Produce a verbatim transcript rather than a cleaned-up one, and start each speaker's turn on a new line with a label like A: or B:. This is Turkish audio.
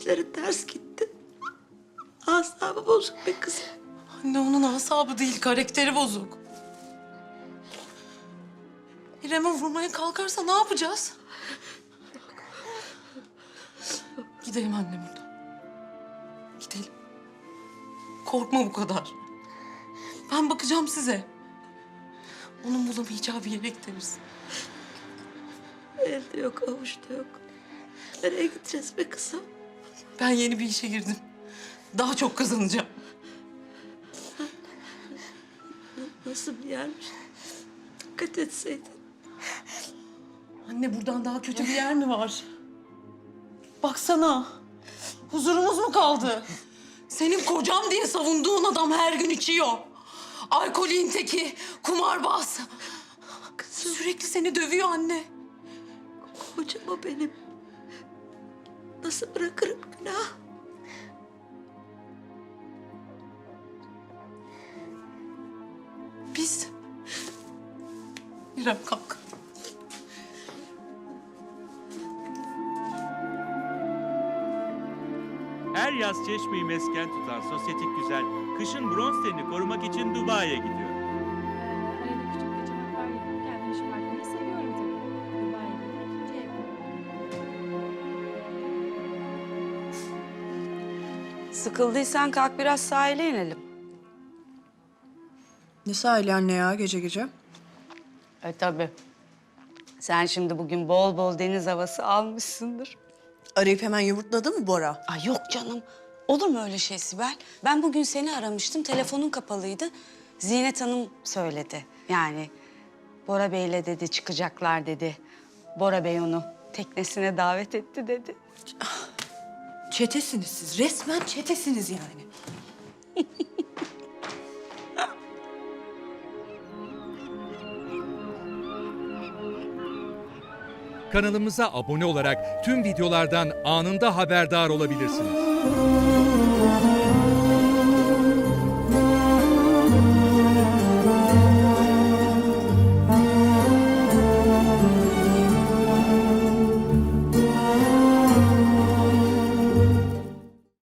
A: işleri ters gitti. Asabı bozuk be kızım.
B: Anne onun asabı değil, karakteri bozuk. İrem'e vurmaya kalkarsa ne yapacağız? Gidelim anne buradan. Gidelim. Korkma bu kadar. Ben bakacağım size. Onun bulamayacağı bir yere gideriz.
A: Elde yok, avuçta yok. Nereye gideceğiz be kızım?
B: Ben yeni bir işe girdim. Daha çok kazanacağım.
A: Nasıl bir yermiş? Dikkat etseydin.
B: Anne buradan daha kötü bir yer mi var? Baksana. Huzurumuz mu kaldı? Senin kocam diye savunduğun adam her gün içiyor. Alkolün teki, kumarbaz.
A: Kızım,
B: Sürekli seni dövüyor anne.
A: kocam o benim. Nasıl bırakırım günah?
B: Biz... İrem kalk.
C: Her yaz Çeşme'yi mesken tutan sosyetik güzel, kışın bronz tenini korumak için Dubai'ye gidiyor.
D: Arada küçük kaçamaklar yapıp kendimi şımartmayı seviyorum tabii. Dubai'de de ikinci evim.
E: Sıkıldıysan kalk biraz sahile inelim.
F: Ne sahili anne ya gece gece?
E: E tabii. Sen şimdi bugün bol bol deniz havası almışsındır.
F: Arayıp hemen yumurtladı mı Bora?
E: Ay yok canım. Olur mu öyle şey Sibel? Ben bugün seni aramıştım. Telefonun kapalıydı. Zinet Hanım söyledi. Yani Bora Bey'le dedi çıkacaklar dedi. Bora Bey onu teknesine davet etti dedi.
F: Çetesiniz siz. Resmen çetesiniz yani.
G: Kanalımıza abone olarak tüm videolardan anında haberdar olabilirsiniz.